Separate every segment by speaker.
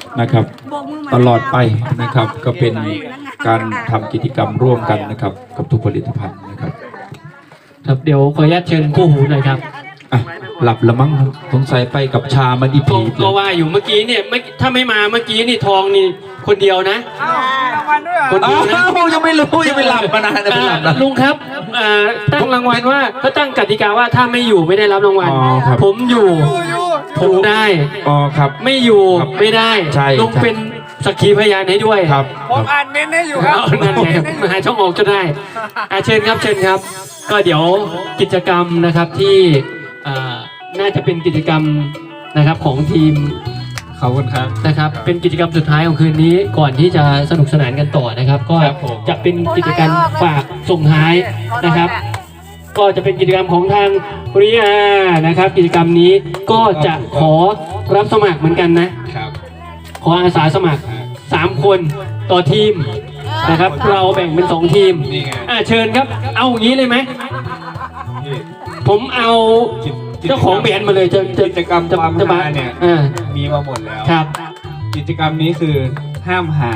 Speaker 1: นะครับตลอดไปนะครับก็เป็นการทำกิจกรรมร่วมกันนะครับกับทุกผลิตภัณฑ์นะครับ
Speaker 2: ครับเดี๋ยวขออนุญาตเชิญคู่หูหน่อยครับ
Speaker 1: หลับละมั้งสงสัยไปกับชามันอีพี
Speaker 2: ก็ว่าอยู่เมื่อกี้เนี่ยถ้าไม่มาเมื่อกี้นี่ทองนี่คนเดียวนะคนเดียวนะ
Speaker 1: ยังไม่รู้ยังไม่หลับมานานไม่หลับนะ
Speaker 2: ลุงครับตั้งรางวัลว่าเขาตั้งกติกาว่าถ้าไม่อยู่ไม่ได้รับรางวัลผมอยู่ผมได้
Speaker 1: ครับ
Speaker 2: ไม่อยู่ไม่ได้
Speaker 1: ใช่
Speaker 2: ลุงเป็นสักขีพยานให้ด้วย
Speaker 1: ครับ
Speaker 3: ผมอ่านเมนให้อยู่ครับ
Speaker 2: นั่นไงมาหาช่องออกจะได้เชิญครับเชิญครับก็เดี๋ยวกิจกรรมนะครับที่น่าจะเป็นกิจกรรมนะครับของทีม
Speaker 1: ขอบคุณครับ
Speaker 2: นะครับเป็นกิจกรรมสุดท้ายของคืนนี้ก่อนที่จะสนุกสนานกันต่อนะครับก็จะเป็นกิจกรรมฝากส่งท้ายนะครับก็จะเป็นกิจกรรมของทางเรียนะครับกิจกรรมนี้ก็จะขอรับสมัครเหมือนกันนะครับขออาสาสมัคร3 คนต่อทีมนะครับเราแบ่งเป็น2 ทีมเชิญครับเอาอย่างนี้เลยไหมผมเอาเจ้าของแบรนด์มาเลย
Speaker 3: กิจกรรมความฮาเนี่ยมีมาหมดแล้ว
Speaker 2: ครับ
Speaker 3: กิจกรรมนี้คือห้ามหา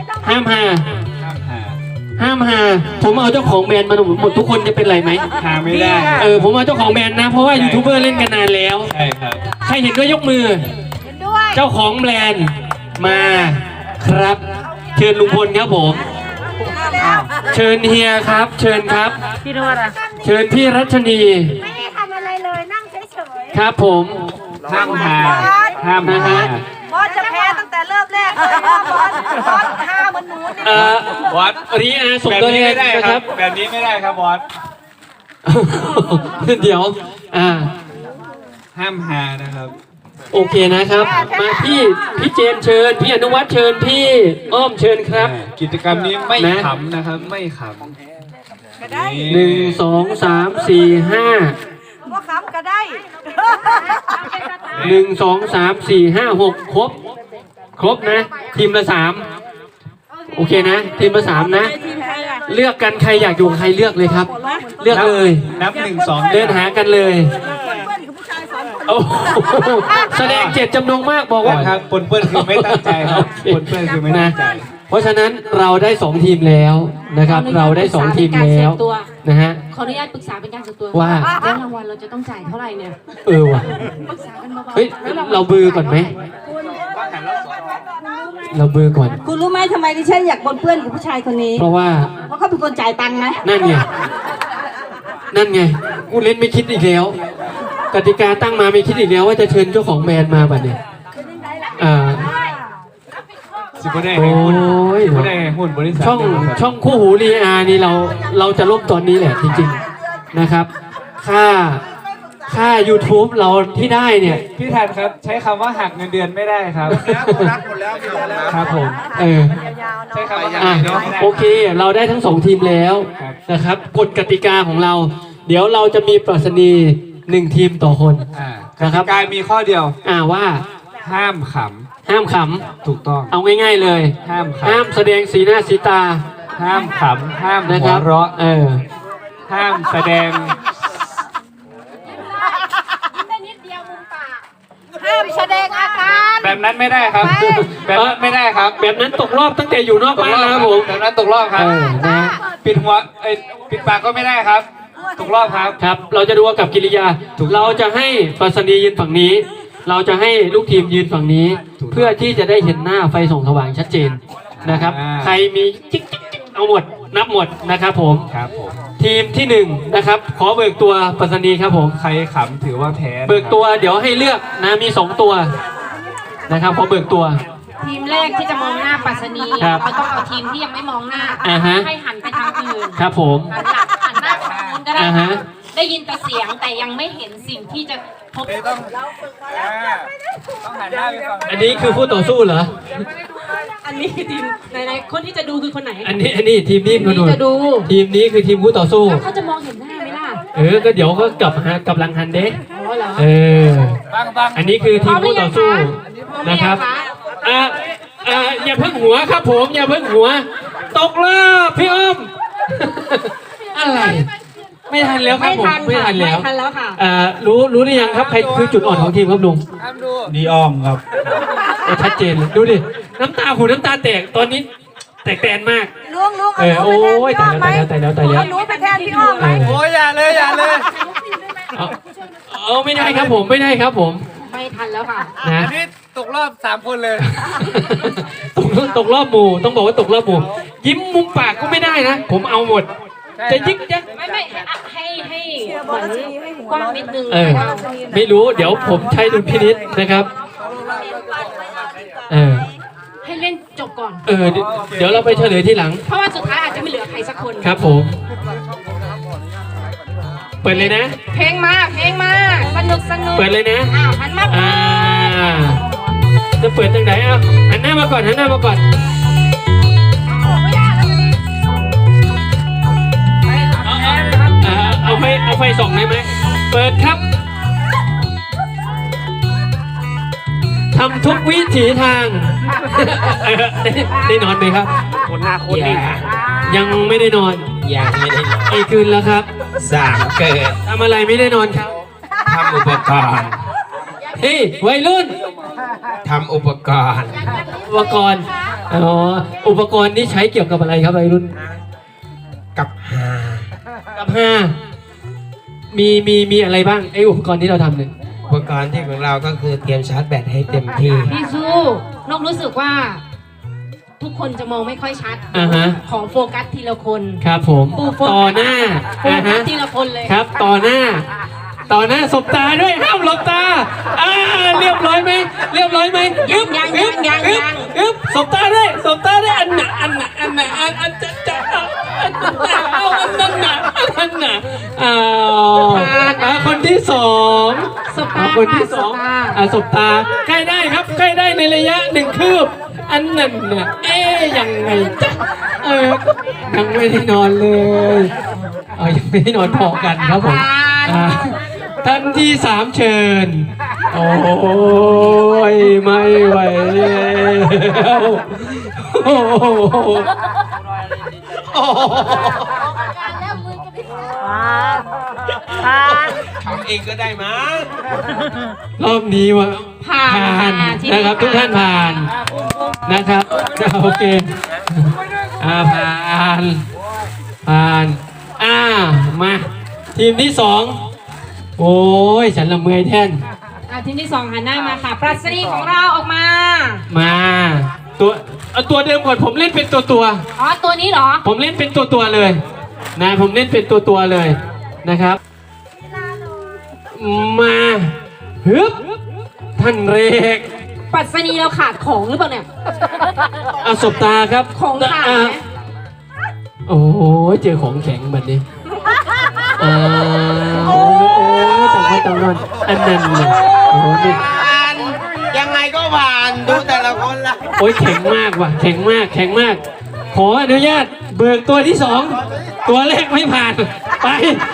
Speaker 2: ผมเอาเจ้าของแบรนด์มาหมดทุกคนจะเป็นไรไหม
Speaker 3: หาไม่ได้
Speaker 2: ผมเอาเจ้าของแบรนด์นะเพราะว่ายูทูบเบอร์เล่นกันนานแล้ว
Speaker 3: ใช่ครับ
Speaker 2: ใครเห็นด้วยยกมือเจ้าของแบรนด์มาครับเชิญลุงพลครับผมเชิญเฮียครับเชิญครับพี่นวดเชิญพี่รัชนี
Speaker 4: ไม่ได้ทำอะไรเลยนั่งเฉย
Speaker 2: ๆครับผม
Speaker 3: ห้ามนะฮะ
Speaker 4: บอสจะแพ้ตั้งแต่เริ่มแรกเลยบอสห้าเหมือนหนูนี่
Speaker 3: บอส
Speaker 2: รีส่งตัวเองนะครับ
Speaker 3: แบบนี้ไม่ได้ครับบอส
Speaker 2: เดี๋ยว
Speaker 3: ห้ามหานะครับ
Speaker 2: โอเคนะครับมาพี่เจมเชิญพี่อนุวัฒน์เชิญพี่อ้อมเชิญครับ
Speaker 3: กิจกรรมนี้ไม่ขำนะครับไม่ขำ
Speaker 2: 1 2 3 4 5
Speaker 4: ว่าขำก็ได้
Speaker 2: 1 2 3 4 5 6ครบนะทีมละ3โอเคนะทีมละ3นะเลือกกันใครอยากอยู่ใครเลือกเลยครับเลือกเลย
Speaker 3: นับ1 2
Speaker 2: เดินหากันเลยแสดงเจตจำนงมากบอกว่า
Speaker 3: ครับปนเปื้อนคือไม่ตั้งใจครับปนเปื้อนคือไม่ตั้งใจ
Speaker 2: เพราะฉะนั้นเราได้2 ทีมแล้วนะครับเราได้2 ทีมแล้วนะฮะ
Speaker 4: ขออนุญาตปรึกษาเป็นการส่วนตัว
Speaker 2: ว่า
Speaker 4: แล้วรางวัลเราจะต้องจ่ายเท่าไหร่เนี่ย
Speaker 2: ว่ะเฮ้ยเราเบอร์ก่อนไหมเราเบอร์ก่อน
Speaker 4: คุณรู้ไหมทำไมดิฉันอยากปนเปื้อนกับผู้ชายคนนี้
Speaker 2: เพราะ
Speaker 4: เขาเป็นคนจ่ายตังค์นะ
Speaker 2: นั่นไงกูเล่นไม่คิดอีกแล้วกติกาตั้งมาไม่คิดอีกแล้วว่าจะเชิญเจ้าของแบรนด์มาบัดเนี่ย
Speaker 3: สิบได้หุ้นบริษัท
Speaker 2: ช่องคู่หูรีอานี่เราจะล่มตอนนี้แหละจริงๆนะครับค่า YouTube เราที่ได้เนี่ย
Speaker 3: พี่แทนครับใช้คำว่าหักเงินเดือนไม่ได้ครับหมดแล้ว
Speaker 2: ครับผม
Speaker 3: ใช้คำว่าหักเงินเดือนไม่ได้
Speaker 2: โอเคเราได้ทั้ง2 ทีมแล้วนะครับกฎกติกาของเราเดี๋ยวเราจะมีปรัชนี1 ทีมต่อคน
Speaker 3: นะครับกายมีข้อเดียว
Speaker 2: ว่า
Speaker 3: ห้ามขำถูกต้อง
Speaker 2: เอาง่ายๆเลยห้ามแสดงสีหน้าสีตา
Speaker 3: ห้ามขำห้ามหัวเราะห้ามแสดง
Speaker 4: ห้ามแสดงอาการ
Speaker 3: แบบนั้นไม่ได้ครับแบบนั้นไม่ได้ครับ
Speaker 2: แบบนั้นตกรอบตั้งแต่อยู่นอกบ้านแล้วผม
Speaker 3: แบบนั้นตกรอบครับปิดหัวปิดปากก็ไม่ได้ครับตกรอบ
Speaker 2: ครับเราจะดูกับกิริยาเราจะให้ปรัชนียืนฝั่งนี้เราจะให้ลูกทีมยืนฝั่งนี้เพื่อที่จะได้เห็นหน้าไฟส่องสว่างชัดเจนนะครับใครมีจิ๊กเอาหมดนับหมดนะครับผมทีมที่1นะครับขอเบิกตัวปรัชนีครับผม
Speaker 3: ใครขำถือว่าแพ้
Speaker 2: เบิกตัวเดี๋ยวให้เลือกนะมี2 ตัวนะครับขอเบิกตัว
Speaker 4: ทีมแรกที่จะมองหน้าปรัชนีเราต้องเอาทีมที่ยังไม่มองหน้าให้หันไปทางอื่น
Speaker 2: ครับผม
Speaker 4: หันหน้าไปทางนู้นก็ได้ได้ยินแต่เสียงแต่ยังไม่เห็นสิ่งที่จะพบ
Speaker 3: ต้องหันหน้าไปฝั่ง
Speaker 2: อันนี้คือผู้ต่อสู้เหรอ
Speaker 4: อันนี้ทีมไหนคนที่จะดูคือคนไหน
Speaker 2: อันนี้ทีมนี้
Speaker 4: จะดู
Speaker 2: ทีมนี้คือทีมผู้ต่อสู้
Speaker 4: เขาจะมองเห็นหน้าไหมล่
Speaker 2: ะก็เดี๋ยวก็กลับหลังหันเด้อันนี้คือทีมผู้ต่อสู้นะครับอย่าเพิ่งหัวครับผมอย่าเพิ่งหัวตกรอบพี่อ้อมอะไรไม่ทันแล้วครับผมไม่ทันแล้ว
Speaker 4: ค่ะ
Speaker 2: รู้หรือยังครับใครคือจุดอ่อนของทีมครับลุง
Speaker 3: ดีอ้อมครับ
Speaker 2: ชัดเจนเลยดูดิน้ำตาหูน้ำตาแตกตอนนี้แตกแตนมาก
Speaker 5: ลุง
Speaker 2: โอ้ยตายแล้วตายแล้วตายแล้ว
Speaker 5: เอาหนูไปแทนพี่อ้อมไหม
Speaker 3: โอ้ยอย่าเลยอย่าเลย
Speaker 2: เอาไม่ได้ครับผมไม่ได้ครับผม
Speaker 4: ไม่ทันแล้วค่ะ
Speaker 2: นะ
Speaker 3: อันนี้ตกรอบ3 คนเลย
Speaker 2: ตกรอบหมู่ต้องบอกว่าตกรอบหมู่ยิ้มมุมปากก็ไม่ได้นะ ผมเอาหมด จะยิกยัก
Speaker 4: ไม่ให้เหมือนกว้างนิดนึง
Speaker 2: ไม่รู้เดี๋ยวผมใช้ดุลพินิจนะครับ
Speaker 4: ให้เล่นจบก่อน
Speaker 2: เดี๋ยวเราไปเฉลยที่หลัง
Speaker 4: เพราะว่าสุดท้ายอาจจะไม่เหลือใครสักคน
Speaker 2: ครับผมเปิดเลยนะ
Speaker 4: เพลงมาสนุก
Speaker 2: เปิดเลยนะ
Speaker 4: หันมา
Speaker 2: จะเปิดทางไหนหันหน้ามาก่อนเอาไฟส่องได้ไหมเปิดครับทำทุกวิถีทางได้นอนไหมครับคนหน้าโคตรดียังไม่ได้นอนยังไม่ได้นอนกี่คืนแล้วครับ3 เกิดทำอะไรไม่ได้นอนครับทำอุปกรณ์เฮ้ยวัยรุ่นทำอุปกรณ์อุปกรณ์นี้ใช้เกี่ยวกับอะไรครับวัยรุ่นกับฮามีอะไรบ้างไออุปกรณ์ที่เราทำเนี่ย
Speaker 6: อุปกรณ์ที่ของเราก็คือเตรียมชาร์จแบตให้เต็มที่
Speaker 4: พี่ซูนกรู้สึกว่า ทุกคนจะมองไม่ค่อยชัดของโฟกัสทีละคน
Speaker 2: ครับผมต่อหน้า
Speaker 4: โฟกัสทีละคนเลย
Speaker 2: ครับต่อหน้าสบตาด้วยห้ามหลบตาเรียบร้อยไหมยังสบตาด้วยอันน่ะเอาอันนั้นน่ะคนที่สอง
Speaker 4: สบตา
Speaker 2: คนที่สองสบตาใกล้ได้ครับใกล้ได้ในระยะ1 คืบอันนั้นน่ะยังไงจ๊ะยังไม่ได้นอนเลยยังไม่ได้นอนพอกันครับผมท่านที่3เชิญโอ้ยไม่ไหวแล้ว
Speaker 6: ทำเองก็ได้มั้ง
Speaker 2: รอบนี้ว่าผ่านนะครับทุกท่านผ่านนะครับโอเคผ่านมาทีมที่2โอ้ยฉันละเมอยแท่น
Speaker 4: ทีมที่2หันหน้ามาค่ะปรัชนีของเราออกมา
Speaker 2: ตัวเดิมก่อนผมเล่นเป็นตัว
Speaker 4: ตัวนี้เหรอ
Speaker 2: ผมเล่นเป็นตัวเลยนะผมเล่นเป็นตัวเลยนะครับมาฮึบท่านเรก
Speaker 4: ปรัชนีเราขาดของหรือเปล่าเนี่ย
Speaker 2: สบตาครับ
Speaker 4: ของขาดไหม
Speaker 2: โอ้ยเจอของแข็งแบบนี้ต่างคนอันนั้นเนี่ย
Speaker 6: ยังไงก็ผ่านดูแต่ละคนละ
Speaker 2: โอ้ยแข็งมากว่ะแข็งมากขออนุญาตเบิกตัวที่2ตัวแรกไม่ผ่านไป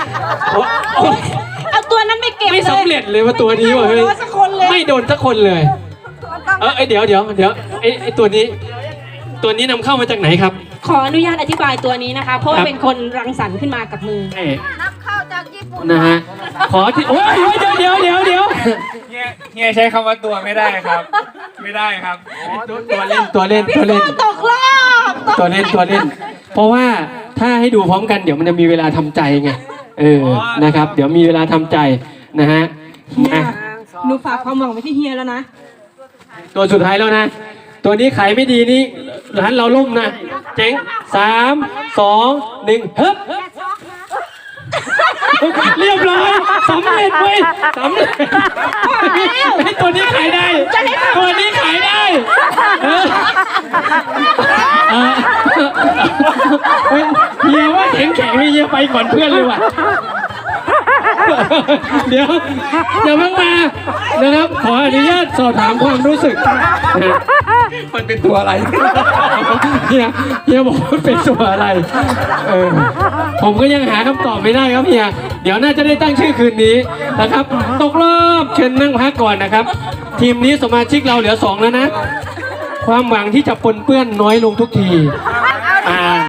Speaker 4: เอาตัวนั้นไม่เก็บ
Speaker 2: ไม่สำเร็จเลยว่าตัวนี้ว่ะเฮ้ยไม่โดนสักคนเลยเดี๋ยวไอ้ตัวนี้นำเข้ามาจากไหนครับ
Speaker 4: ขออนุญาตอธิบายตัวนี้นะคะเพราะว่าเป็นคนรังสรรค์ขึ้นมากับมือ
Speaker 5: นับเข้าจากญี่ปุ่น
Speaker 2: นะฮะขอที่โอ้ยเดี๋ยว
Speaker 3: เฮียใช้คำว่าตัวไม่ได้ครับไม่ได้ครับ
Speaker 2: ตัวเล่น
Speaker 4: ตกรอบ
Speaker 2: ตัวเล่นเพราะว่าถ้าให้ดูพร้อมกันเดี๋ยวมันจะมีเวลาทำใจไงนะครับเดี๋ยวมีเวลาทำใจนะฮะ
Speaker 4: หนูฝากความหวังไว้ที่เฮียแล้วนะ
Speaker 2: ตัวสุดท้ายแล้วนะตัวนี้ขายไม่ดีนี่ร้านเราล่มนะเจ๊ง3 2 1เฮ้ยเรียบร้อยสำเร็จเว้ยสำเร็จตัวนี้ขายได้เฮียว่าแข็งเฮียไปก่อนเพื่อนเลยว่ะเดี๋ยวเพิ่งมานะครับขออนุญาตสอบถามความรู้สึก
Speaker 3: มันเป็นตัวอะไร
Speaker 2: เฮียบอกว่าเป็นตัวอะไรผมก็ยังหาคำตอบไม่ได้ครับเฮียเดี๋ยวน่าจะได้ตั้งชื่อคืนนี้นะครับตกรอบเชิญนั่งพักก่อนนะครับทีมนี้สมาชิกเราเหลือ2แล้วนะความหวังที่จะปนเปื้อนน้อยลงทุกที